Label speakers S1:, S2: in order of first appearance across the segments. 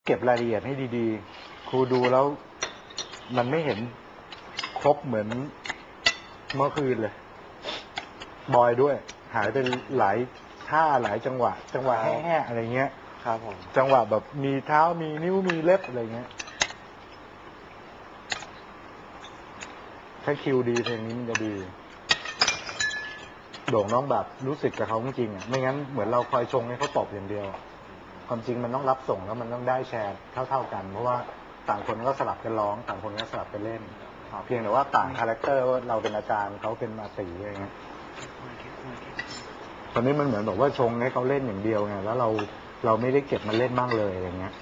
S1: เก็บรายละเอียดให้ดีๆ ครูดูแล้วมันไม่เห็นครบเหมือนเมื่อคืนเลย บอยด้วย หายไปหลายท่าหลายจังหวะแห่ๆอะไรเงี้ย
S2: ครับผม
S1: จังหวะแบบมีเท้ามีนิ้วมีเล็บอะไรเงี้ยถ้าคิวดีเพลงนี้มันจะดีโด่งน้องแบบรู้สึกกับเขาจริงๆอ่ะไม่งั้นเหมือนเราคอยชงให้เขาตบอย่างเดียว ความจริงมันต้องรับส่งแล้วมันต้องได้แชร์เท่าๆกัน เพราะว่าต่างคนก็สลับกันร้องต่างคนก็สลับกันเล่นเพียงแต่ว่าต่างคาแรคเตอร์ว่าเราเป็นอาจารย์เขาเป็นอาตีอะไรเงี้ยตอนนี้มันเหมือนแบบว่าชงให้เขาเล่นอย่างเดียวไงแล้วเราไม่ได้เก็บมาเล่นบ้างเลยอย่างเงี้ย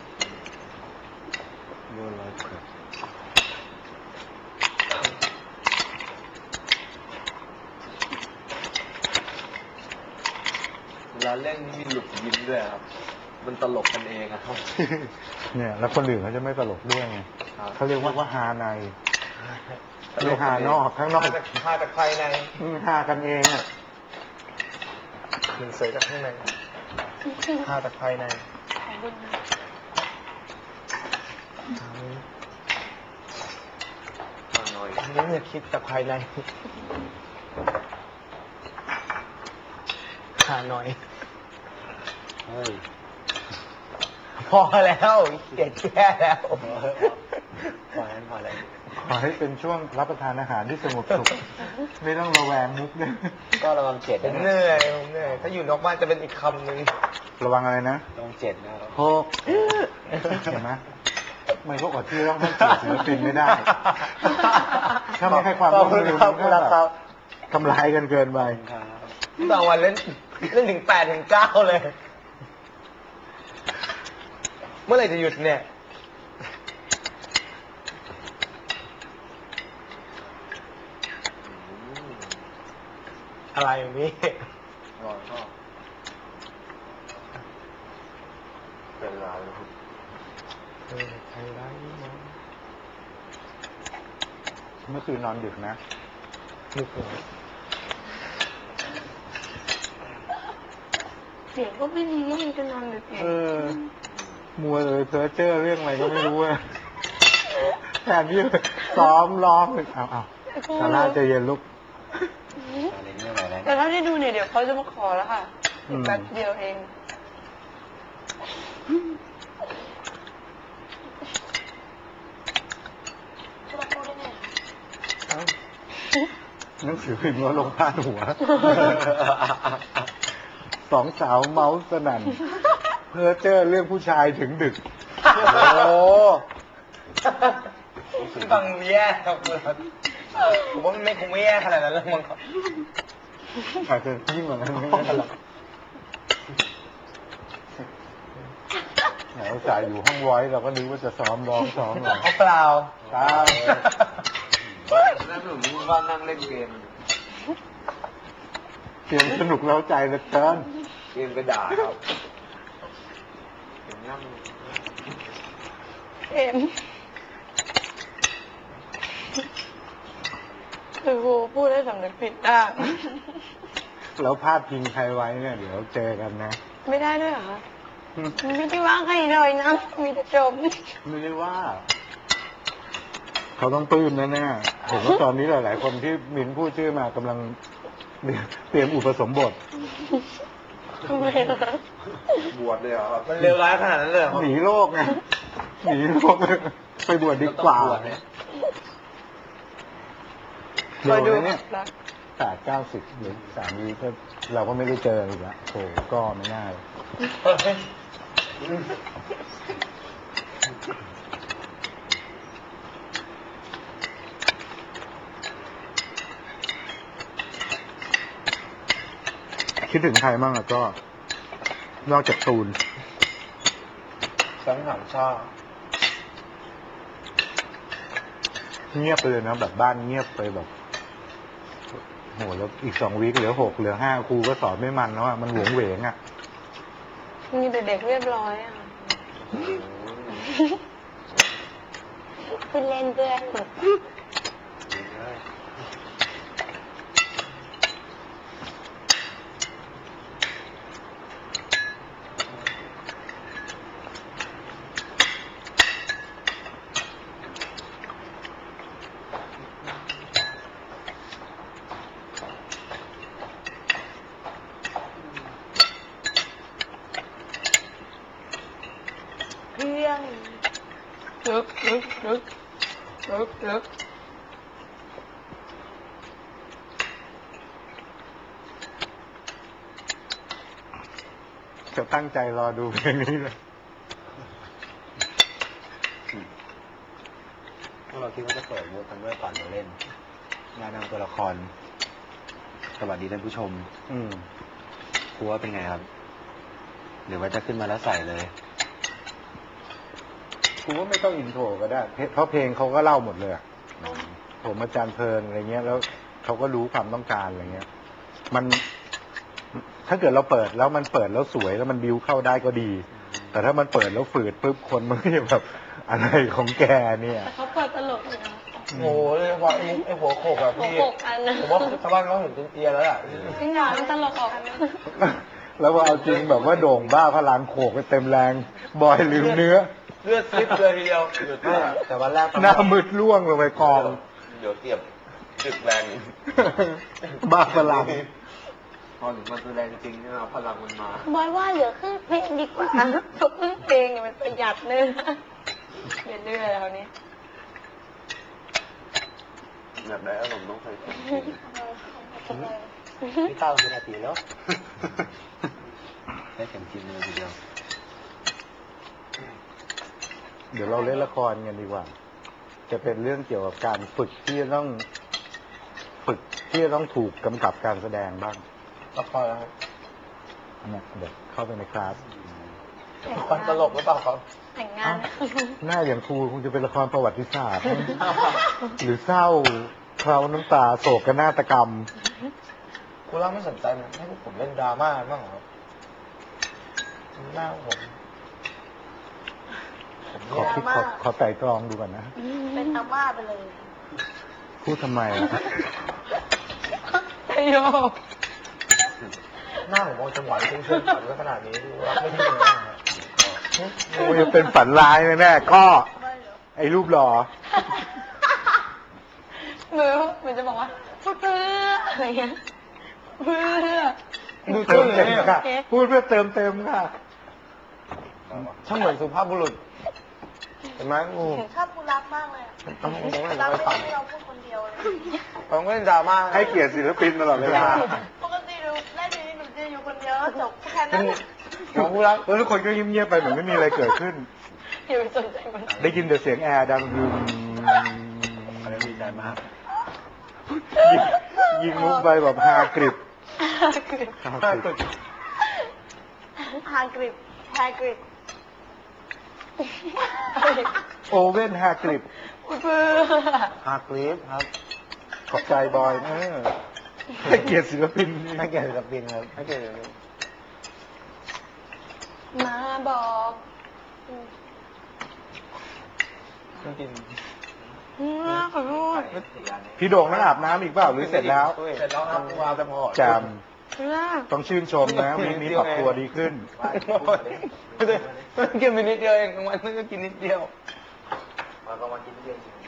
S2: เวลาเล่นมีหลุดยิ้มด้วยครับมันตลกกันเองอะครับ
S1: เนี่ยแล้วคนอื่นเขาจะไม่ตลกด้วยไงเขาเรียกว่าฮาในไม่ฮานอกข้างนอก
S2: ฮาจากภายใน
S1: ฮากันเองอ่ะ
S2: หนึ่งเสยจากข้างในฮาจากภายในนี่เนี่ยคิดจากภายในฮาหน่อยเฮ้ยพอแล้วเกลียดแค่แล้วพอแล้ว
S1: ขอให้เป็นช่วงรับประทานอาหารที่สงบสุข ไม่ต้องระแวงมุกด้วย
S2: ก็ระวังเจ็ดผมเหนื่อยถ้าอยู่นอกบ้านจะเป็นอีกคำหนึ่ง
S1: ระวังอะไรนะ
S2: ระวังเจ็ดนะครับ
S1: โคกเห็นไหมไม่พวกอดที่ต้องให้เกียรติศิลปินไม่ได้ ถ้าไม่ให้ความร่วมมือมันก็แบบทำลายกันเกินไป
S2: บางวันเล่นถึง8 ถึง 9เลย เมื่อไหร่จะหยุดเนี่ยอะไรอย่างนี้รอชอบเป็นไรใครไรมั้ง
S1: เมื่อคืนนอนดึกนะ
S2: นึกถึง
S3: เสียงก็ไม่ดียังจะนอนดึก
S1: มัวเลยเพ้อเจ้อเรื่องอะไรก็ไม่รู้อะแทนที่ซ้อมร้องเอาซาร่าใจเย็นลูก
S3: แต่ถ้าได้ดูเนี่ยเดี๋ยวเขาจะมาขอแล้วค่ะ
S1: อืม
S3: แป๊บเดียวเอง
S1: หนังสือพิมพ์ว่าลงพาดหัว สองสาวเมาส์สนั่น เพ้อเจ้อเรื่องผู้ชายถึงดึก
S2: โอ้ฟังแย่ครับผมว่ามันคงไม่แย่ขนาดนั้นแล้วมั้งครับ
S1: อาจจะยิ่งกว่านั้นก็ได้หรอกแหมอุตส่าห์อยู่ห้องไว้เราก็นึกว่าจะซ้อมร้องซ้อมอะไร
S2: เขาเปล่า
S1: เปล่า
S2: นั่นผมว่านั่งเล่นเกม
S1: เกมสนุกเร้าใจเหลือเกิน
S2: เกมกระดาษครับเห็นนั่ง
S3: เอ็มคือครูพูดให้สำนึกผิดได้
S1: แล้วพาดพิงใครไว้เนี่ยเดี๋ยวเจอกันนะ
S3: ไม่ได้ด้วยเหรอคะไม่ได้ว่าใครเลยนะ มีแต่ชม
S1: ไม่ได้ว่า เขาต้องปลื้มแน่ๆผมว่าตอนนี้หลายๆคนที่มินพูดชื่อมากำลังเตรียมอุปสมบท
S3: ทำไมล่ะ
S2: บวชเลยเหรอมันเลวร้ายขนาดนั้นเลยเหรอ
S1: หนีโลกไงหนีโลกไปบวชดีกว่า
S3: คอยดู
S1: เร็วนะเนี่ย
S3: รัก
S1: 80-90หรือ3 วีก็เราก็ไม่ได้เจออีกแล้วโถก็ไม่น่าเลยคิดถึงใครบ้างอะก็ นอกจากตูน
S2: สังหารชาติ
S1: เงียบไปเลยนะแบบบ้านเงียบไปแบบโหแล้วอีก2 วีคเหลือ 6 เหลือ 5ครูก็สอนไม่มันแล้วอะมันหวงเหวงอะ
S3: มีแต่เด็กเรียบร้อยอ่ะคุณเล่นเพื่อนเพียงลึก
S1: จะตั้งใจรอดูเพลงนี้เลย
S2: พวกเราคิดว่าจะเปิดมูดกันด้วยก่อนมาเล่นงานนำตัวละครสวัสดีท่านผู้ชม ครูว่าเป็นไงครับ หรือว่าจะขึ้นมาแล้วใส่เลย
S1: กูว่าไม่ต้องอินโทรก็ได้ เพราะเพลงเขาก็เล่าหมดเลยอะผมอาจารย์เพลินอะไรเงี้ย แล้วเขาก็รู้ความต้องการอะไรเงี้ย มัน ถ้าเกิดเราเปิดแล้วมันเปิดแล้วสวยแล้วมันบิวเข้าได้ก็ดี แต่ถ้ามันเปิดแล้วฝืดปุ๊บคนมันก็จะแบบอะไรของแกเนี่ย
S3: แต่เขาเปิดตลกเลยนะ
S2: โอ้โหเลยว่าไอ้หัวโขกแบบ
S3: หัว
S2: พี่
S3: โขกอันนะ
S2: ผมว่าชาวบ้านเขาเห็นจนเอียแล้วล่ะ
S3: จริงเหรอมันตลกออก
S1: แล้วว่าเอาจริงแบบว่าโด่งบ้าพลังโขกไปเต็มแรง บอยลืมเนื้อ
S2: เลือดซิบเลยทีเดียวแต่วันแรก
S1: หน้ามืดล่วงลงไปกอง
S2: เดี๋ยวเทียบตึกแรง
S1: บ้าพลัง
S2: พอถึงมันแสดงจริงเนี่ยพลังมันมา
S3: บอยว่าเหลือครึ่งเพลงดีกว่าเพราะครึ่งเพลงเนี่ยมันประหยัดเนื้ออย่าเดือแล้วนี้
S2: แบบไหนผมต้องใส่พี่เต้าเป็นนาทีแล้วได้เข็มจริงเลยทีเดียว
S1: เดี๋ยวเราเล่นละครกันดีกว่า จะเป็นเรื่องเกี่ยวกับการฝึกที่จะต้องถูกกำกับการแสดงบ้าง
S2: ละครแล้ว
S1: เนี่ยเดี๋ยวเข้าไปในคลาส
S2: ละครตลกหรือเปล่าครับ
S3: แต่งงาน
S1: หน้าอย่างครูคงจะเป็นละครประวัติศาสตร์ หรือเศร้าเคล้าน้ำตาโศกนาฏกรรม
S2: คุณล่าไม่สนใจมันให้พวกผมเล่นดราม่าบ้างเหรอครับหน้าผม
S1: ขอคิดขอไต่ตรองดูก่อนนะ
S3: เป็นอาม่าไปเลย
S1: พูดทำไมอะ
S3: ไอโย
S2: หน้าผมมองจังหวะเชิงฝันไว้ขนาดนี้รับไม่ได้เลยนะ
S1: โอ้ยเป็นฝันร้ายแน่ๆก็ ไอ้รูปหล่อ
S3: มือจะบอกว่าพูดเพื่ออะไรเงี้ยเพื่อ
S1: ดูเติมเต็มค่ะ พูดเพื่อเติมเต็มค่ะ
S2: ช่างเหมือนสุภาพบุรุษเห็นไหมงู
S3: ชอบกูรักมากเลย
S2: ต้องไม่
S3: รัก
S2: ไป
S3: ไม่
S2: ฝัน
S3: ให้เราพูดคนเดียวเลย
S2: ผมก็เล่นดราม่า
S1: ให้เกียรติศิลปินตลอดเวลา
S3: ปกติดูได้ดีหนูจะอยู่คนเดียวจบแค่นั้น
S2: ของผู้รัก
S1: แล้วทุกคนก็เงียบๆไปเหมือนไม่มีอะไรเกิดขึ้น
S3: อย่าไปสนใจมัน
S1: ได้ยินแต่เสียงแอร์ดังดึง
S2: อะไรดีใจมาก
S1: ยิงมุกไปแบบฮากริบ
S3: ฮากริบฮากริบ
S1: โอเว่นฮากริบ
S3: เพื่อ
S2: ฮาร์กลีฟครับ
S1: ขอบใจบอยให้เกียรติศิลปิน
S2: ให้เกียรติศิลปินครับให้เกียรติศิลปิน
S3: มาบอก
S2: ต้องกิน
S3: ขอโทษ
S1: พี่โด่งต้องอาบน้ำอีกเปล่าหรือเสร็จแล้ว
S2: เสร็จแล้วครับวางแต่พอ
S1: แจม
S3: เพื่อ
S1: ต้องชื่นชมนะวีคนี้ปรับตัวดีขึ้น
S2: กินไปนิดเดียวเองกลางวันก็กินนิดเดียวกลางวันกินนิดเดียวจริง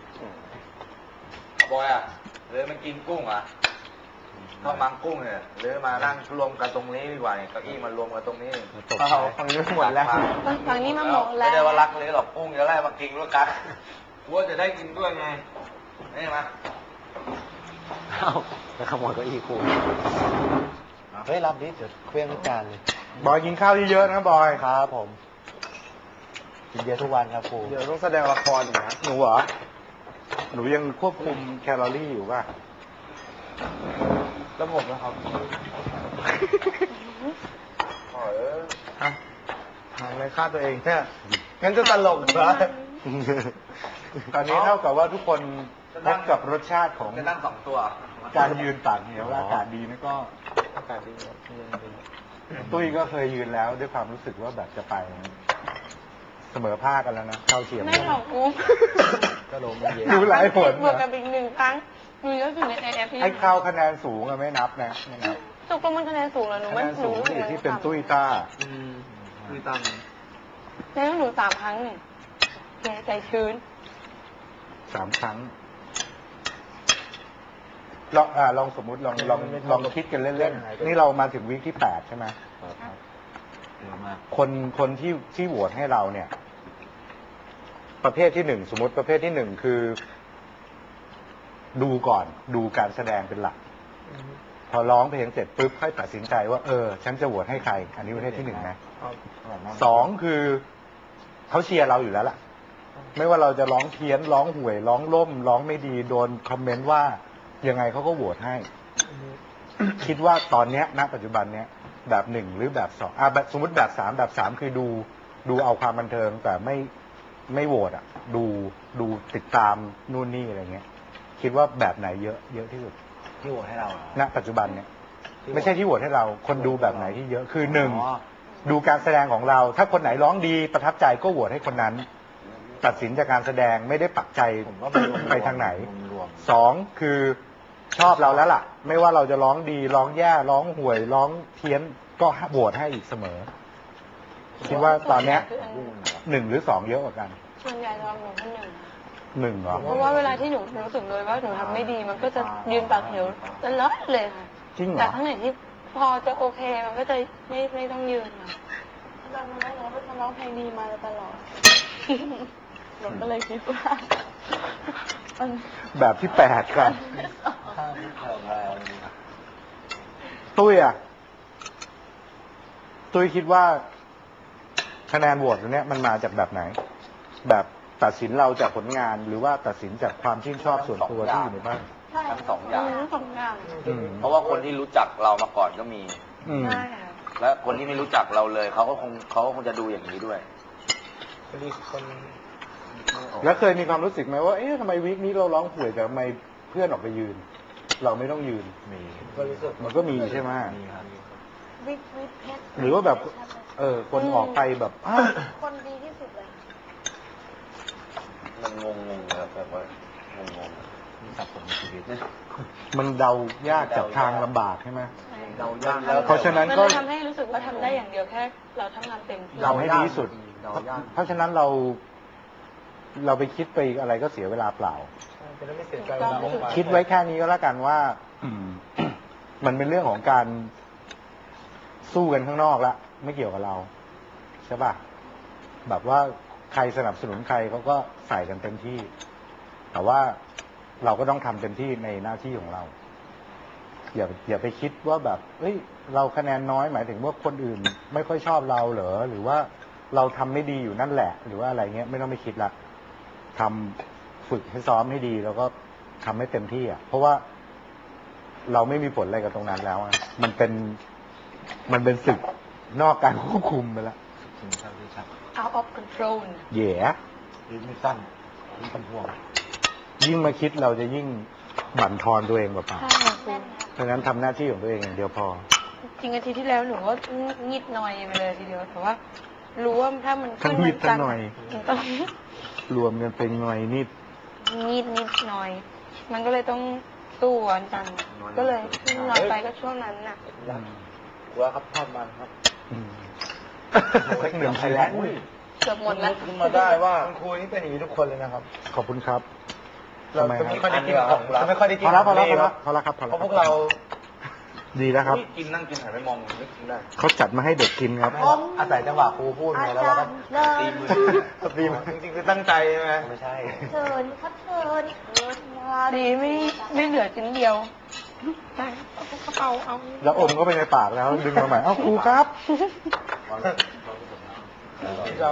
S2: บอยอ่ะเลยมันกินกุ้งอ่ะถ้ามังกุ้งเนี่ยหรือมานั่งรวมกันตรงนี้ดีกว่าเนี่ยเก้าอี้มารวมกันตรงนี้ฝั่งนี้หมดแล้ว
S3: ฝั่งนี้มาหมดแล้ว
S2: ไม่ได้ว่ารักเลยหรอกกุ้งจะไล่มากินด้วยกันกลัวจะได้กินด้วยไงนี่มาเอาแล้วขโมยเก้าอี้กูเฮ้ยรับดิเดี๋ยวเครื่องทุกจานเลย
S1: บอยกินข้าวเยอะๆนะบอย
S2: ครับผมกินเยอะทุกวันครับครูเดี๋ยวต้องแสดงละครอีกนะ
S1: หนูเหรอ หนูยังควบคุมแคลอรี่อยู่ป่ะ
S2: แล้วผมนะครับทางในค่าตัวเองแค่งั้นจะตลกเหรอ
S1: ตอนนี้เท่ากับว่าทุกคนพบกับรสชาติของ
S2: จะนั่งสองตัว
S1: การยืนตากเหนียวและอากาศดีนะก็
S2: อากาศดีครับ
S1: ตุ้ยก็เคยยืนแล้วด้วยความรู้สึกว่าแบบจะไปเสมอภาคกันแล้วนะเข้าเทียม
S3: ไม่หรอกกู
S2: ก็ลงมาเย็น
S1: ดูหลายผล
S3: บวกกันอีกหนึ่งครั้งดูเยอะสุดในแอปพี่
S1: ไอ้เข้าคะแนนสูงอะไม่นับนะไม่นับ
S3: ตกลงมันคะแนนสูงเหรอหนู
S1: คะ
S3: ไม่
S1: แนนสูง
S3: รู้
S1: ที่ที่เป็นตุ้ยต้า
S2: คือตั้ง
S3: แล้วหนู3 ครั้งเนี่ยแกใจชื้น
S1: 3 ครั้ง ลองสมมุติลองคิดกันเล่นๆ นี่เรามาถึงวีคที่ 8 ใช่ไหม
S2: เยอะมาก
S1: คนที่โหวตให้เราเนี่ยประเภทที่หนึ่งสมมติประเภทที่หนึ่งคือ ดูก่อนดูการแสดงเป็นหลัก พอร้องเพลงเสร็จปุ๊บค่อยตัดสินใจว่าฉันจะโหวตให้ใคร อันนี้ประเภทที่หนึ่งนะสองคือเขาเชียร์เราอยู่แล้วล่ะ ไม่ว่าเราจะร้องเพี้ยนร้องห่วยร้องล่มร้องไม่ดีโดนคอมเมนต์ว่ายังไงเขาก็โหวตให้ คิดว่าตอนเนี้ยณปัจจุบันเนี้ยแบบหนึ่งหรือแบบสองแบบสมมติแบบสามแบบสามคือดูเอาความบันเทิงแต่ไม่โหวตอ่ะ ดูติดตามนู่นนี่อะไรเงี้ย คิดว่าแบบไหนเยอะที่สุด
S2: ที่โหวตให้เราเหรอ
S1: ณปัจจุบันเนี่ยไม่ใช่ที่โหวตให้เรา คนดูแบบไหนที่เยอะคือหนึ่ง
S2: อ๋อ
S1: ดูการแสดงของเรา ถ้าคนไหนร้องดีประทับใจก็โหวตให้คนนั้น ตัดสินจากการแสดงไม่ได้ปักใจ
S2: ผมว่า
S1: ไปทางไหน
S2: รวม
S1: สองคือชอบเราแล้วล่ะ ไม่ว่าเราจะร้องดีร้องแย่ร้องห่วยร้องเพี้ยนก็โหวตให้อีกเสมอ คิดว่าตอนเนี้ยหนึ่งหรือสองเยอะกว่ากัน
S3: ส่วนใหญ่จะรับหนูคนหนึ่ง
S1: หนึ่งเหรอ
S3: เพราะว่าเวลาที่หนูรู้สึกเลยว่าหนูทำไม่ดีมันก็จะยืนปากเหวตลอดเลยค่ะ
S1: จริงเหร
S3: แต่
S1: อ
S3: ข้างไหนที่พอจะโอเคมันก็จะไม่ต้องยืนค่ะตอนนั้นหนูเป็นคนร้องเพลงดีมาตลอดหนูก็เลยคิดว่ามัน
S1: แบบที่แปดครับ ตุ้ยอ่ะ ตุ้ยคิดว่าคะแนนโหวตตรงเนี้ยมันมาจากแบบไหน แบบตัดสินเราจากผลงานหรือว่าตัดสินจากความชื่นชอบส่วนตัวที่อยู่ในบ้าน
S3: ใช่
S2: ทั้งสองอย่าง
S3: ทั้งสองอย่าง
S1: อืม
S2: เพราะว่าคนที่รู้จักเรามาก่อนก็มี
S1: อืม
S3: ใช่ค่ะ
S2: และคนที่ไม่รู้จักเราเลยเขาก็คงจะดูอย่างนี้ด้วย
S1: แล้วเคยมีความรู้สึกไหมว่า เอ๊ะทำไมวีคนี้เราร้องห่วยแต่ทำไมเพื่อนออกไปยืน เราไม่ต้องยืน
S2: มี
S1: มันก็มีใช่ไหม
S2: มีครับ
S3: วิทเพชร
S1: หรือว่าแบบ คนออกไปแบบอ้าว
S3: คนดีที่สุดเลย
S2: มันงงๆครับแบบว่างงๆมีสับสนในชีวิต
S1: มันเดายากจากทางลำบากใช่ไหม
S2: เดายาก
S1: เพราะฉะนั้น
S3: มัน
S1: ก็
S3: เลยทำให้รู้สึกว่าทำได้อย่างเดียวแค่เราทำงานเต็มที่
S1: ทำให้ดีที่สุด เพราะฉะนั้นเราไปคิดไปอะไรก็เสียเวลาเปล่า
S2: จะได้ไม่เสียใจ
S1: คิดไว้แค่นี้ก็แล้วกันว่า มันเป็นเรื่องของการสู้กันข้างนอกละไม่เกี่ยวกับเราใช่ป่ะแบบว่าใครสนับสนุนใครเขาก็ใส่กันเต็มที่ แต่ว่าเราก็ต้องทำเต็มที่ในหน้าที่ของเรา อย่าไปคิดว่าแบบเฮ้ยเราคะแนนน้อยหมายถึงว่าคนอื่นไม่ค่อยชอบเราเหรอหรือว่าเราทำไม่ดีอยู่นั่นแหละ หรือว่าอะไรเงี้ยไม่ต้องไปคิดละทำฝึกให้ซ้อมให้ดีแล้วก็ทำให้เต็มที่อ่ะเพราะว่าเราไม่มีผลอะไรกับตรงนั้นแล้วอะมันเป็นศึกนอกการควบคุมไปแล้ว
S3: out of control
S1: แย่
S2: ลิ้นไม่สั้นลิ้นเป็นห่วง
S1: ยิ่งมาคิดเราจะยิ่งบั่นทอนตัวเองเปล่า
S3: ใช่ค่ะ
S1: ๆเพราะฉะนั้นทำหน้าที่ของตัวเองอย่างเดียวพอ
S3: จริงอาทิตย์ที่แล้วหนูก็งิดหน่อยไปเลยทีเดียวแต่ว่า รู้ว่าถ้ามัน
S1: ทั้งงิดทั้งหน่อย
S3: มันต้อง
S1: รวมกันเป็นหน่อยนิด
S3: งิดนิดหน่อย มันก็เลยต้องสู้วันจันทร์ก็เลยหน่อยไปก็ช่วงนั้นน่ะ
S2: ว่าครับทอดมันครับ
S1: สักหนึ่งชิ้น
S3: เกือบหมดแล้ว
S2: ขึ้นมาได้ว่าคุณครูนี่เป็นอย่างนี้ทุกคนเลยนะครับ
S1: ขอบคุณครับ
S2: เรา
S1: ทำไม
S2: จะ
S1: ค
S2: ไม่
S1: รับ
S2: ค่อยได้กินของจะไม่ค่อยได้กิ
S1: พ
S2: น
S1: อแล้วพอแล้ว
S2: นี่
S1: พอแล้วพอแล้วครับพอแล้ว
S2: เพราะพวกเรา
S1: ดีแล้วครับ
S2: กินนั่งกินหันไปมองไม่กินได้
S1: เขาจัดมาให้เด็กกินครับ
S2: อาศัยจังหวะครูพูดไงแล้วเราก็ตีมือตีมือจริงๆคือตั้งใจใช่ไหมไม่ใช่
S3: เชิญพัดเชิญมาดีไม่เหลือชิ้นเดียวใช่เอากระเป๋าเอา
S1: แล้วอมก็ไปในปากแล้ว ดึงมาใหม่เอ้าครูครับ
S2: เรา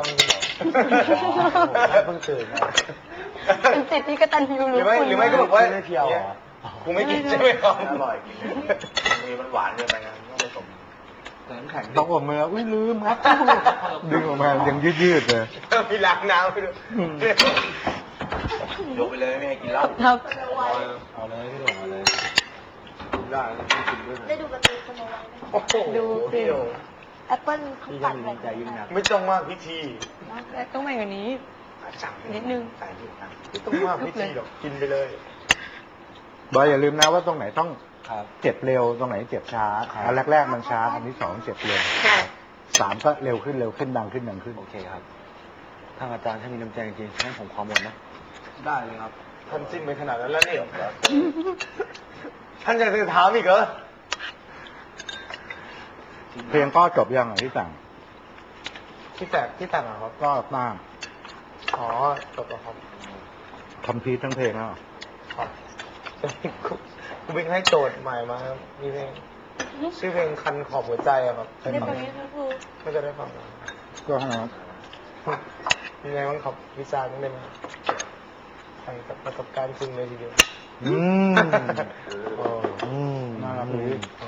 S2: เพิ่งตื่น
S3: เป็นสิทธิ์ที่กตัญญู
S2: ห
S3: รู้
S2: รือไม่
S3: คุณ
S2: หรือไม่ก็บอกว่า
S1: ไม่เพียวเหรอ
S2: ครูไม่กินใช่ไหมครับอร่อยมีมันหวานเกินไปนะต้องผสมน้ำแข็ง
S1: ต้องอมมืออุ้ยลืมครับ ดึงออกมายังยืดๆเลย
S2: มีล้างน้ำไปด้วยยกไปเลยไม่ให้กินเหล้า
S3: ครับ
S2: เอาเลยพี่หลงเอาเลยได้กินด้วย
S4: ได้ดูการ์ตูนสโนไวท์ไหม
S2: โอ้โห
S3: ดูสิ
S4: แอปเปิ้ลเขาตัดไป
S2: ไม่ต้องมากพิธี
S3: และต้องไปกว่านี้ นิดนึง
S2: ใส่นิดนะไม่ต้องมากพิธีหรอกกินไปเลย
S1: บอยอย่าลืมนะว่าตรงไหนต้อง
S2: ครับ
S1: เจ็บเร็วตรงไหนเจ็บช้า
S2: ครับ
S1: อันแรกๆมันช้าอันที่สองเจ็บเร็ว
S3: ค่ะ
S1: สามก็เร็วขึ้นดังขึ้น
S2: โอเคครับทางอาจารย์ถ้ามีน้ำใจจริงๆให้ผมขอหมดนะ ได้เลยครับท่านจิ้มไปขนาดนั้นแล้วนี่ท่านยังจะถามอีกเหรอ
S1: เพลงก็จบยังอ่ะที่สั่ง
S2: ที่แต่งเหรอครับ
S1: ก็มาก
S2: อ๋อจบแล้วครับ
S1: คอมพิวทั้งเพลงแล้วเหรอ
S2: ครับคุณบิ๊กให้โจทย์ใหม่มาครับมีเพลงชื่อเพลงคันขอบหัวใจอะครับ
S3: ได้ฟังนี้ทั้งคู่
S2: ไม่จะได้ฟังนะ
S1: ก็ฮะ
S2: ยังไงบ้างครับวิจารณ์ได้ไหมใช่กับประสบการณ์จริงเลยทีเดียว
S1: อืม
S2: โอ้
S1: น่ารักดี
S2: โอ้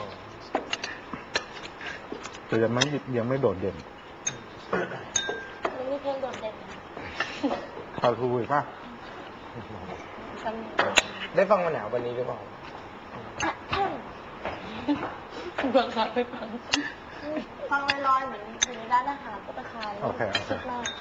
S1: แต่ยังไม่โดดเด่น
S4: มันมีเพลงโดดเด่น
S1: พาทูอีกป่ะ
S3: จำ
S2: ได้ฟังมาแนววันนี้หรือเปล่า
S3: บังคับไปฟัง
S4: ฟังลอยๆเหมือนอยู่ในร้านอาหารก็ตะคาย
S1: โอเค
S4: คิดมาก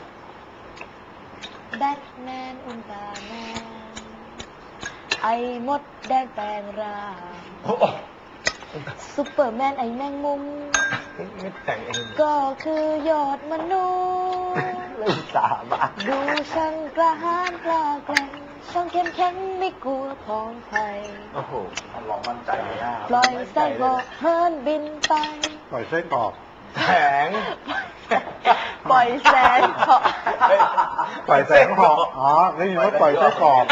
S4: แบทแมนอุลตร้าแมนไอ้มดแดงแปลงร่าง
S2: โอ้โห
S4: ซุปเปอร์แมนไอ้แมงมุม
S2: ไม่แต่งเอง
S4: ก็คือยอดมนุษย์
S2: เล่นสาบะ
S4: ดูช่างกระหายกล้าแกร่งช่างเข้มแข็งไม่กลัวผองไฟ
S2: โอ้โห
S1: ลองมั่นใจเลยนะ
S4: ปล่อยไส้บอกเฮิร์นบินไป
S1: ปล่อยไส้กรอก
S2: แข็ง
S4: ปล่อยแสงเคาะ
S1: ปล่อยแสงหอกอ๋อได้ยินว่าปล่อยไส้กรอก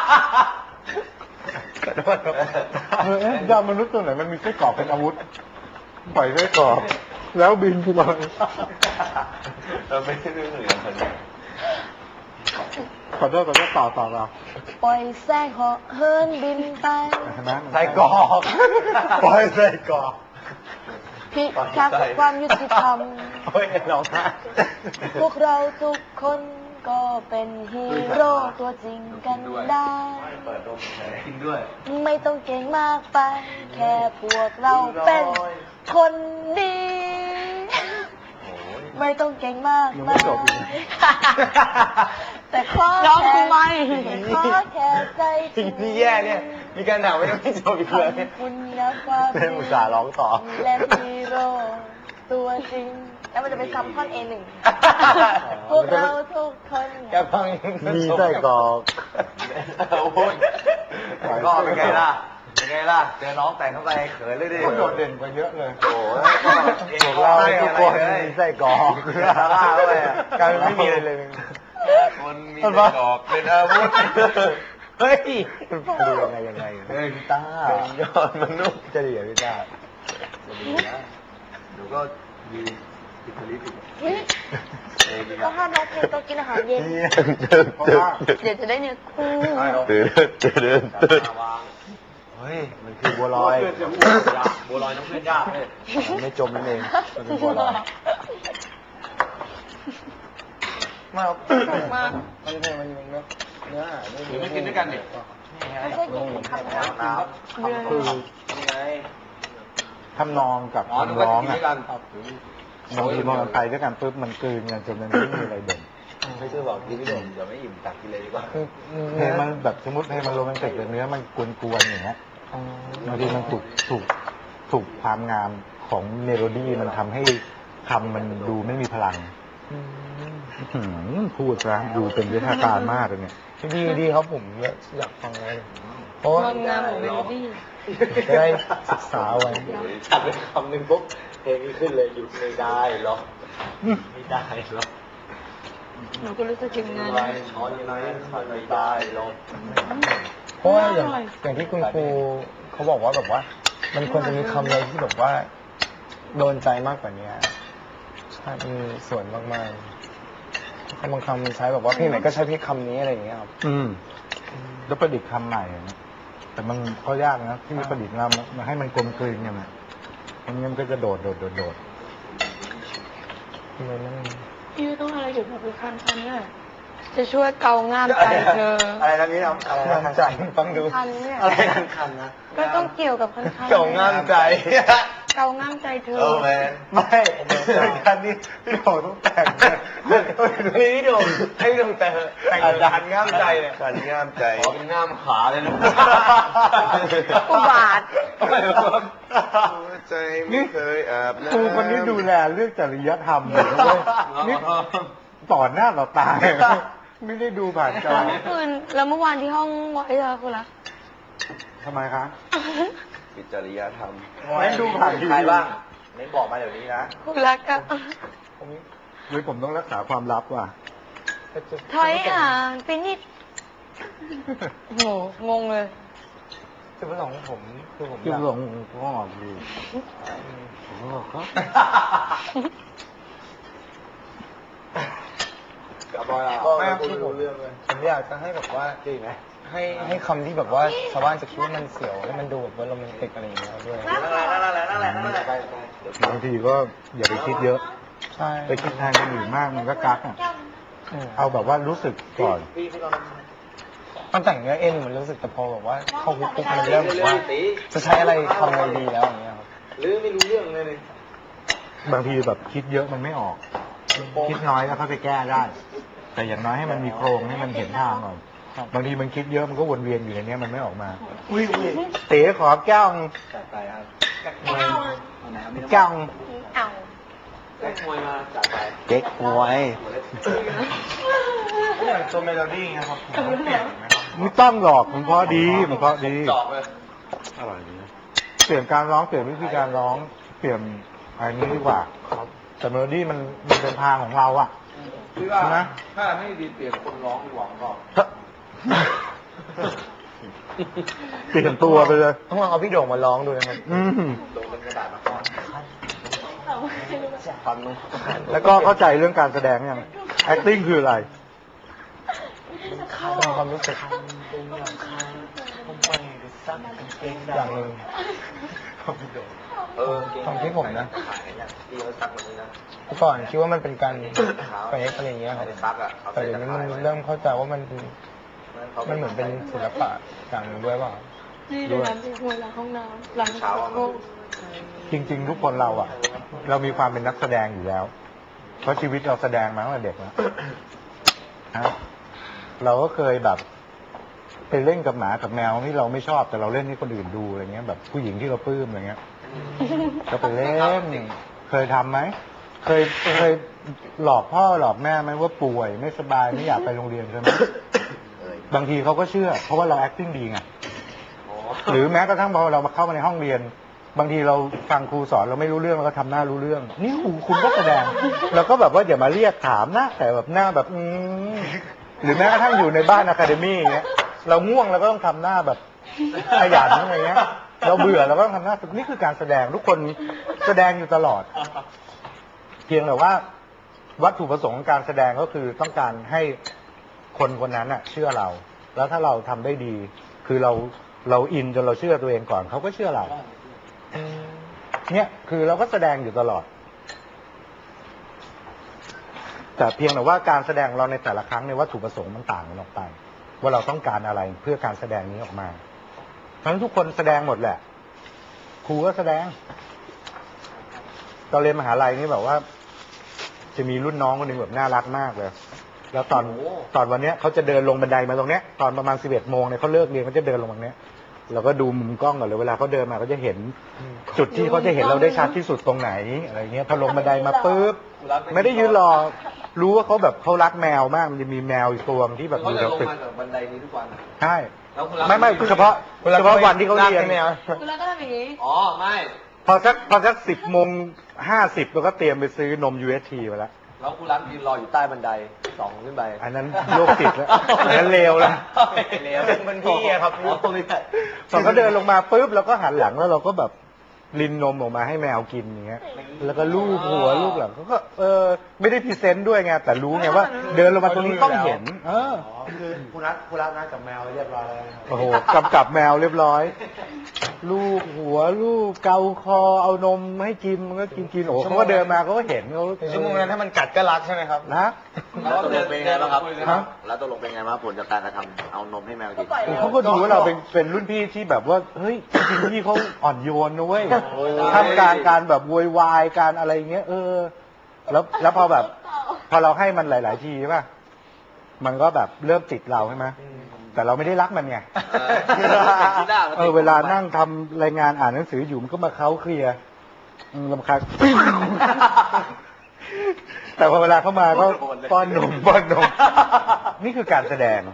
S1: เอ๊ะยอดมนุษย์ตัวไหนมันมีไส้กรอกเป็นอาวุธ ปล่อยไส้กรอกแล้วบินไปเลย
S2: เราไม่ได้เรื่องเหลือคนนี้
S1: ขอโทษต่อเรา
S4: ปล่อยแสงเหาะเฮิร์นบินไป
S1: เห็นไหม
S2: ไส้กรอกปล่อยไส้กรอก
S4: พิทักษ์ความยุติธรรม
S2: เฮ้ยร้องไห้
S4: พวกเราทุกคนก็เป็นฮีโร่ตัวจริงกันได้
S2: เปิดดมกินด้วย
S4: ไม่ต้องเก่งมากไป แค่พวกเราเป็นคนดี ไม่ต้องเก่งมาก
S1: ยัง
S4: มา
S1: ไม่
S4: ย
S1: จบอีก
S4: แต่ขอ
S3: ร้อง
S4: แค่
S3: ทำไม
S4: ขอแค่ใจจริง
S2: นี่แย่เนี่ย มีการถามไม่ต้องไม่จบอีกเลย
S4: ขอบคุณนะความ
S2: เต้นอุตส่าห์ร้องต่อ
S4: และฮีโร่ตัวจริง แล้วมันจะเป็นซับท่อน A1 พวกเราทุกคน
S2: แกฟัง
S1: มีไส้กรอก
S2: โอ้ยก็เป็นไงล่ะ เป็นไงล่ะ เจอน้องแต่งเข้าไปเขินเลยดิ
S1: เขาโดดเด่นกว่าเยอะเลย
S2: โอ้ย
S1: พวกเราทุกคนมีไส้กรอก
S2: กลายเป็นไม่มีอะไรเลยคนมีไส้กรอกเป็นอาวุธเฮ้ย
S1: ดูยังไง
S2: เฮ้ยพี่ต้าเป็นยอดมนุษย์จะดีเหรอพี่ต้าจะดีนะหนูก็ยืนติดทะลิติด
S4: เฮ้ยก็ห้ามร้องเพลงตอนกินอาหารเย็น
S1: เพราะว่า
S3: เดี๋ยวจะได้เนื้อคู่
S2: เฮ้ย มันคือบัวลอยบัวลอยต้องเพื่อนยากเลยไม่จมนั่นเองมันเป็นบัวลอยมา
S3: มา
S2: มันเพลงมันเนื้อหาด้วยไม่กินด้วยกันดิ
S4: ไม่ใช่กินคำนะ
S2: น้ำ
S1: คือ
S2: นี่ไง
S1: ทำนองกับ
S2: อ๋อนึก
S1: คำ
S2: ว่า
S1: ร้อง
S2: จะกิน
S1: อ่ะ
S2: ด้วยกันครับ
S1: บางทีพอมันไปด้วยกันปุ๊บมันกลืนกันจนมันไม่มีอะไรเด่น
S2: ไม่ใช่บอกกินไม่โดนเดี๋ยวไม่อิ่มตักกินเลยดีกว่า
S1: เพลงมันแบบสมมติเพลงมันโรแมนติกแต่เนื้อมันกวนๆอย่างเงี้ยบางทีมันถูกความงามของเมโลดี้มันทำให้คำมันดูไม่มีพลังพูดซะดูเป็นวิทยาการมากเลยเนี่ย
S2: ดีดีครับผมอยากฟังเลยเพราะ
S3: ความงามของเมโลดี้
S2: จะได้ศึกษาไว้ชัดเลยคำหนึ่งปุ๊บเพลงนี้ขึ้นเลยหยุดไม่ได้หรอกไม่ได้หรอก
S3: หนูก็รู้สึกถึงงาน
S2: ช้อนยังไงไม่ได้หรอกเพราะว่าอย่างที่คุณครูเขาบอกว่าแบบว่า มันควรจะมีคำอะไรที่แบบว่า โดนใจมากกว่านี้ใช่มีส่วนมากๆคำบางคำใช้แบบว่าเพลงไหนก็ใช้เพลงคำนี้อะไรอย่างเงี้ยครับ
S1: แล้วประดิษฐ์คำใหม่นะแต่มันก็ยากนะที่ประดิษฐ์มาให้มันกลมกลืนกันนะมันงั้นก็จะโดด
S3: พี่ต้องอะไรเกี่ยวกับคันเนี่ยจะช่วยเกาง่ามใจเธอ
S2: อะไรนะนี่ครับอะไรนะใจฟังดู
S3: คันเนี่ย
S2: อะไรคันนะ
S3: ก็ต้องเกี่ยวกับคัน
S2: เก่างามใจ
S3: เกาง่ามใจเธอ
S2: แมนไม่คันนี้พี่โด่งต้องแต่งนี่พี่โด่งให้พี่โด่งแต่งคันงามใจเนี่ยคันงามใจอ๋อเป็นงามขาเลยนะ
S3: อุบาท
S2: ใจไม่เคยอาบน้ำ
S1: ครูคนนี้ดูแลเรื่องจริยธรรมเลยนะเว้ยนี่ต่อหน้าต่อตาไม่ได้ดูผ่านจอ
S3: เมื่อคืนแล้วเมื่อวานที่ห้องไว้เลยคุณรัก
S1: ทำไมคะ
S2: ปิจริยธรรม
S1: ไม่ดูผ่านทีวี
S2: ใครบ้างไม่บอกมาเดี๋ยวนี้นะ
S3: คุณรักก็
S1: หรือผมต้องรักษาความลับว่ะ
S3: ถอยห่างไปนิดโหงงเลย
S2: จุดประสงค์ของผมคือผม
S1: จุ
S2: อ
S1: ด
S2: ยาก
S1: หลงก็ออกดีผมก็บอกก็
S2: ไม่คือผมอยากจะให้แบบว่าให้คำที่แบบว่าชาวบ้านจะคิดว่ามันเสียวให้มันดูแบบว่าโรแมนติกอะไรอย่างเงี้ยด้วย
S1: บางทีก็อย่าไปคิดเยอะ
S2: ใช่
S1: ไปคิดแทนคนอื่นมากมันก็กักอ่ะเอาแบบว่ารู้สึกก่อน
S2: ตอนแต่งเนื้อเอ็นมันรู้สึกแต่พอแบบว่าเข้าคุกปุ๊บมันเริ่มแบบว่าจะใช้อะไรทำอะไรดีแล้วอย่างเงี้ยครับ
S1: บางทีแบบคิดเยอะมันไม่ออก คิดน้อยแล้วเขาไปแก้ได้ แต่อย่างน้อยให้มันมีโครงให้มันเห็นทางก่อนบางทีมันคิดเยอะมันก็วนเวียนอยู่ในนี้มันไม่ออกมาเต๋ขอแก้วนึงแก้วนึง
S3: เอา
S1: เก๊กหวย
S2: อย่างตัวเมโลดี้ไงครับผมเปลี่ยนไหมครับ
S1: ไม่ต้องหรอกมันเพราะดีมันเพราะดีอร่อยดีเปลี่ยนการร้องเปลี่ยนวิธีการร้องเปลี่ยนอะไรนี้ดีกว่าแต่เมโลดี้มันเป็นทางของเราอ่ะ
S5: พี่ว่า
S1: นะ
S5: ถ้าให้ดีเปลี่ยนคนร้องดีกว่าก็
S1: เปลี่ยนตัวไปเลย
S2: ต้องลองเอาพี่โด่งมาร้องดูนะครับ
S1: อืม
S5: โดนเป็นกระดาษมาก่อน
S1: แล้วก็เข้าใจเรื่องการแสดงยัง acting คืออะไร
S2: ต้องความรู้สึกอย่างหนึ่ง ความคิดผมนะ
S5: พี่เขาซักวันนี้นะ
S2: เมื่อก่อนคิดว่ามันเป็นการเฟกอะไรอย่างเงี้ยครับ
S5: ซักอ่ะ
S2: แต่เดี๋ยวนี้มันเริ่มเข้าใจว่ามันเหมือนเป็นศิลปะอย่างหนึ่งด้วยเปล่า
S3: นี่ดูน้ำที่หัวหลังห้องน้ำหลังห้อง
S1: จริงๆ ทุกคนเราอ่ะ เรามีความเป็นนักแสดงอยู่แล้ว เพราะชีวิตเราแสดงมาตั้งแต่เด็กแล้วฮะเราก็เคยแบบไปเล่นกับหมากับแมวที่เราไม่ชอบแต่เราเล่นให้คนอื่นดูอะไรเงี้ยแบบผู้หญิงที่เราปลื้มอะไรเงี้ยก็ไปเล่นเคยทำไหมเคยหลอกพ่อหลอกแม่ไหมว่าป่วยไม่สบายไม่อยากไปโรงเรียนใช่ไหมบางทีเขาก็เชื่อ เพราะว่าเรา acting ดีไงหรือแม้กระทั่งพอเรามาเข้ามาในห้องเรียน บางทีเราฟังครูสอนเราไม่รู้เรื่องเราก็ทำหน้ารู้เรื่อง นี่คุณก็แสดงเราก็แบบว่าอย่ามาเรียกถามนะแต่แบบหน้าแบบหรือแม้กระทั่งอยู่ในบ้านอะคาเดมี่เงี้ยเราง่วงเราก็ต้องทำหน้าแบบขยันอะไรเงี้ย เราเบื่อเราก็ต้องทำหน้านี่คือการแสดงทุกคนแสดงอยู่ตลอด เพียงแต่ว่า วัตถุประสงค์ของการแสดงก็คือต้องการให้คนคนนั้นอะเชื่อเรา แล้วถ้าเราทำได้ดี คือเราอินจนเราเชื่อตัวเองก่อนเขาก็เชื่อเราเนี่ยคือเราก็แสดงอยู่ตลอด แต่เพียงแต่ว่าการแสดงของเราในแต่ละครั้งในวัตถุประสงค์มันต่างกันออกไป ว่าเราต้องการอะไรเพื่อการแสดงนี้ออกมาทั้งทุกคนแสดงหมดแหละครูก็แสดงตอนเรียนมหาลัยนี่แบบว่า จะมีรุ่นน้องคนหนึ่งแบบน่ารักมากเลย แล้วตอนวันเนี้ยเขาจะเดินลงบันไดมาตรงเนี้ยตอนประมาณ11 โมงเนี่ยเขาเลิกเรียนเขาจะเดินลงมาเนี้ยเราก็ดูมุมกล้องก่อนเลยเวลาเขาเดินมาเขาจะเห็นจุดที่เขาจะเห็นเราได้ชัดที่สุดตรงไหนอะไรเงี้ยพอลงบันไดมาปุ๊บไม่ได้ยืนรอรู้ว่าเขาแบบเขารักแมวมากมันจะมีแมวอีกตัวที่แบบ
S5: เขา
S1: อยู่
S5: จะ
S1: แถว
S5: ลง
S1: ตึก
S5: มาจากบันไดนี้ทุกวัน
S1: ใช่
S5: แล้วคุณรับ
S1: ไม่เฉพาะวันที่เขาเรียน
S3: คุณแล้วก็ทำอย่างนี้
S5: อ๋อไม่
S1: พอสัก10:50เราก็เตรียมไปซื้อนม UST ไปแล้ว
S5: แล้วคุณรับยืนรออยู่ใต้บันได2 ขึ้นไป
S1: อันนั้นโรคจิตแล้วอันนั้นเลวแล้ว
S5: เลว
S2: เป็นพี่อะครับ
S5: อ๋อตรงนี้
S1: พอเขาเดินลงมาปุ๊บเราก็หันหลังแล้วเราก็แบบลินนมออกมาให้แมวกินอย่างเงี้ย แล้วก็ลูบหัวลูบหลังเขาก็ไม่ได้พรีเซนต์ด้วยไงแต่รู้ไงว่า เดินลงมาตรงนี้ต้องเห็น
S2: คือคุณรักนะกับแมวเรียบร้อยแล้ว
S1: โอ้โหกำกับแมวเรียบร้อย ลูบหัวลูบเกาคอเอานมให้กินมันก็กินโอ้โหเขาก็เดินมาเขาก็เห็นเขา
S2: ชั่วโมงนั้นถ้ามันกัดก็รักใช่ไหมครับ
S1: นะ
S5: แล้วตกลงเป็นไงบ้างครับ
S1: ฮะ
S5: แล้วตกลงเป็นไงบ้างผลจากการกระทำเอานมให้แมวกิน
S1: เขาก็ดูว่าเราเป็นรุ่นพี่ที่แบบว่าเฮ้ยจริงๆพี่เขาอ่อนโยนนะเว้ยทำการแบบโวยวายการอะไรเงี้ยแล้วพอแบบ พอเราให้มันหลาย ๆ ทีใช่ป่ะมันก็แบบเริ่มติดเราใช่ไหมแต่เราไม่ได้รักมันไงเวลานั่งทำรายงานอ่านหนังสืออยู่มันก็มาเค้าเคลียร์รำคาญ แต่พอเวลาเข้ามาก็ป้อนนมนี่คือการแสดง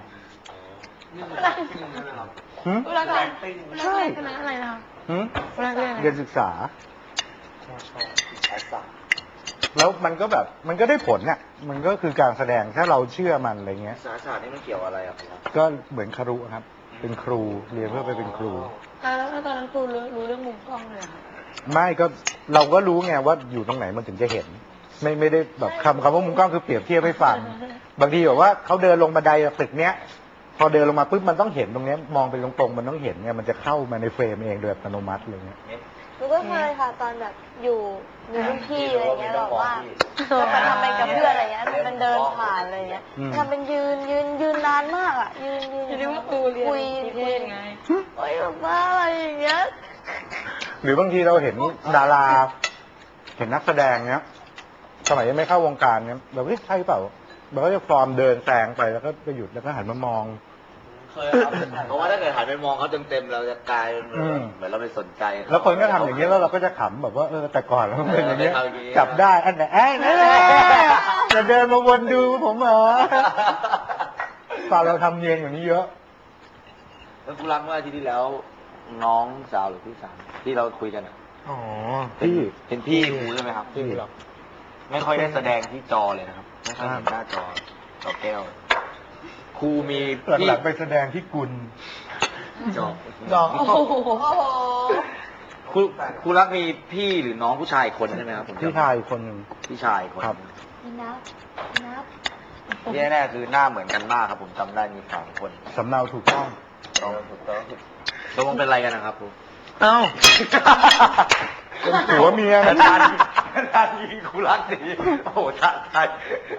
S1: หืม
S3: เวลาการใช่คณะอะไรนะคะ
S1: หืม
S3: เวลาเรียนอะไร
S1: เรียนศึกษาแล้วมันก็แบบมันก็ได้ผลน่ะมันก็คือการแสดงถ้าเราเชื่อมันอะไรเงี้ย
S5: สารศาสตร์นี่มันเกี่ยวอะไรครับ
S1: ก็เหมือนคารุครับ เป็นครูเรียนเพื่อไปเป็นครู
S3: แล้วตอนนั้นครูรู้เรื่องมุมกล้องเลยอะ
S1: ไม่ก็เราก็รู้ไงว่าอยู่ตรงไหนมันถึงจะเห็น ไม่ได้แบบคำว่ามุมกล้องคือเปรียบเทียบให้ฟัง บางทีแบบว่าเขาเดินลงบันไดตึกเนี้ย พอเดินลงมาปุ๊บมันต้องเห็นตรงเนี้ยมองไปตรงๆมันต้องเห็นไงมันจะเข้ามาในเฟรมเองโดยอัตโนมัติอะไรเงี้ย
S4: หนูก็เคยค่ะตอนแบบอยู่รุ่นพี่อะไรเงี้ยแบบว่าทำเป็นกับเพื่อนอะไรเงี้ยทำเป็นเดินผ่านอะไรเงี้ยทำเป็นยืนนานมากอ่ะยืน
S3: จะเรียกว่าครูเรียน
S4: คุย
S3: นิเทศไง
S4: โอ้ยแบบว่าอะไรอย่างเงี้ย
S1: หรือบางทีเราเห็นดารา เห็นนักแสดงเนี้ยสมัยยังไม่เข้าวงการเนี้ยแบบใช่เปล่าเราก็จะฟอร์มเดินแซงไปแล้วก็ไปหยุดแล้วก็หันมามอง
S5: เคยครับเพราะว่าถ้าเกิดหันไปมองเขาเต็มๆเราจะกลายเป็นเหมือนเราไม่สนใจ
S1: แล้วคนก็ทำอย่างนี้แล้วเราก็จะขำแบบว่าแต่ก่อนเราเป็นอย่างนี้
S5: เออเป็นอย่างนี้
S1: จับได้อันไหนจะเดินมาวนดูผมเหรอตอนเราทำเนียนอย่างนี้เยอะ
S5: แล้วกูรักเมื่ออาทิตย์ที่แล้ว น้องสาวหรือพี่สาวที่เราคุยกันอะ
S1: อ๋อพี่
S5: เป็นพี่ครูใช่ไหมครับ
S1: พี่หรอ
S5: ไม่ค่อยได้แสดงที่จอเลยนะครับไม่ค่อยเห็นหน้าจอแก้วครูมีพี่
S1: หลังๆไปแสดงที่กุล
S5: จอ
S3: โอ้โห
S4: โอ้โห
S5: ครูรักมีพี่หรือน้องผู้ชายอีกคนใช่ไหมครับผมจำ
S1: พี่ชายอีกคนหนึ่ง
S5: พี่ชายอีกคน
S1: ครับ
S4: นี่นับ
S5: ที่แน่ๆคือหน้าเหมือนกันมากครับ ผมจำได้มี3 คน
S1: สำเนาถูกต้อง
S5: ถูกต้องตกลงเป็นอะไรกันนะครับครู
S1: เอ้าเป็นผัวเมียกัน
S5: นานยิงครูรักดีโอ้โหท้าทาย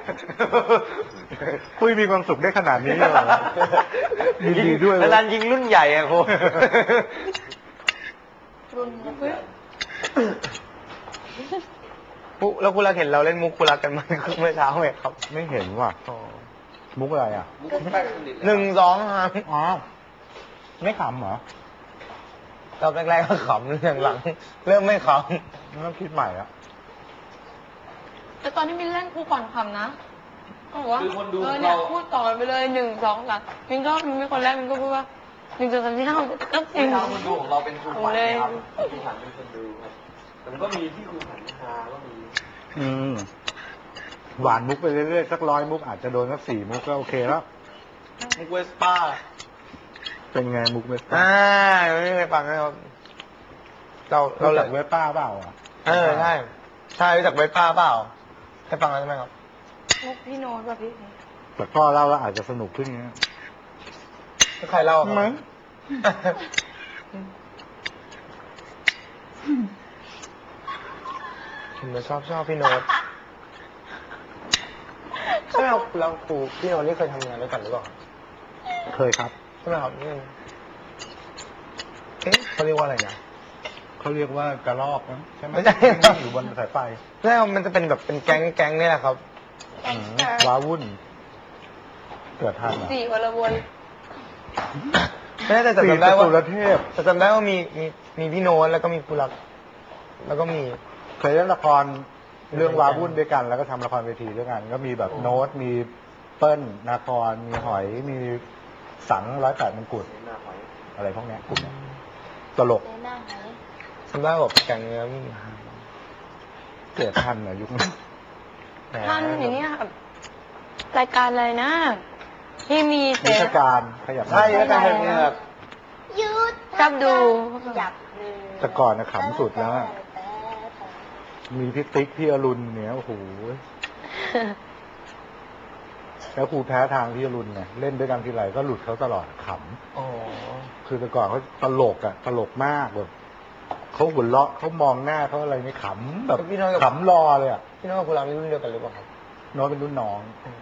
S1: คุยมีความสุขได้ขนาดนี้เลยเหรอดีๆด้วย
S5: นานยิงรุ่นใหญ่อะครู
S4: รุ่น
S2: แล้วคุณรักเห็นเราเล่นมุกคุณรักกันมาเมื่อเช้าไหมครับ
S1: ไม่เห็นว่ะมุกอะไรอ่ะ
S2: 1 2ครับ
S1: อ๋อไม่ขำเหรอ
S2: ตอนแรกๆก็ขำเรื่องหลังเริ่มไม่ข
S1: ต้องคิดใหม่อ่ะ
S3: แต่ตอนที่มินเล่นครูก่อนคำนะเขาบอกว่า
S5: คือคนดู
S3: เนี่ย
S5: เรา
S3: พูดต่อไปเลย1 2 3มินก็มินเป็นคนแรกมินก็พูดว่า1 2 3 4 5 6 7 8
S5: ที่เราคนดูของเราเป็นครูขวัญ
S3: เลย
S5: นะครับครูขวัญเป็นคนดูครับแต่มันก็มีที่ครูขวัญฮาก็มี
S1: หวานมุกไปเรื่อยๆสัก100 มุกอาจจะโดนสัก4 มุกก็โอเคแล้ว
S2: ำมุกเวสป้า
S1: เป็นไงมุกเวสป้า
S2: ไม่เคยฟังนะครับเรา
S1: เรา
S2: เล
S1: จากเวสป้าเปล่าอ่ะ
S2: ใช่ใช่รู้จักเวสป้าเปล่าให้ฟังแล้วใช่ไหมครับ
S3: มุกพี่โน้ตป่ะพี่
S1: แต่พ่อเล่าแล้วอาจจะสนุกขึ้นเงี้ย
S2: ใครเล่าครับ
S1: มั้ง
S2: ผมจะชอบพี่โน้ตใช่ไหมครับเราครูพี่โน้ตนี่เคยทำงานด้วยกันหรือเปล่า
S1: เคยครับ
S2: ใช่ไหมครับนี่เขาเรียกว่าอะไรนะ
S1: เขาเรียกว่ากระรอกนะใช่ไหม
S2: ไม่ใช่
S1: นั่งอยู่บนสายไฟ
S2: ใช่ครับมันจะเป็นแบบเป็นแก๊งนี่แหละครับ
S1: ว้าวุ่น เกิดทันอ่ะ
S3: 4 คนละวน
S2: ไม่ได้แต่
S1: สี่
S2: จำได้ว่า
S1: สุรเทพ
S2: แต่จำได้ว่ามีพี่โน้ตแล้วก็มีกุลักแล้วก็มี
S1: เคยเล่นละครเรื่องว้าวุ่นด้วยกัน แล้วก็ทำละครเวทีด้วยกัน ก็มีแบบโน้ตมีเปิ้ลนาครมีหอยมีสัง108 มงกุฎอะไรพวกเนี้ยกลุ่มเนี้ยตลก
S4: ในหน้าไหน
S2: จำได้แบบแก๊งเนี้ยมี
S1: เกิดทันอ่ะยุคนั้น
S2: แหม
S3: ท่านอย่างเนี้ยแบบรายการอะไรนะ ที่มีเซ
S1: นิทร
S3: ฟ
S1: การขยับ
S2: ใช่แล้วแต่เนี่ย
S4: ยุด
S3: ชอบดู
S4: จับ
S1: แต่ก่อนนะขำสุดแล้วอะมีพี่ติ๊กพี่อรุณเนี่ยโอ้โหแล้วครูแพ้ทางพี่อรุณไงเล่นด้วยกันทีไรก็หลุดเขาตลอดข
S2: โอ้
S1: ำคือแต่ก่อนเขาตลกตลกมากแบบเขาหัวเราะเขามองหน้าเขาอะไรไม่ขำแบบ
S2: พี่โน้ตกับ
S1: ขำรอเลยอ่ะ
S2: พี่โน้ตกับกุลักนี่รุ่นเดียวกันหรือเปล่าครับ
S1: โน้ตเป็นรุ่นน้อง
S2: อืม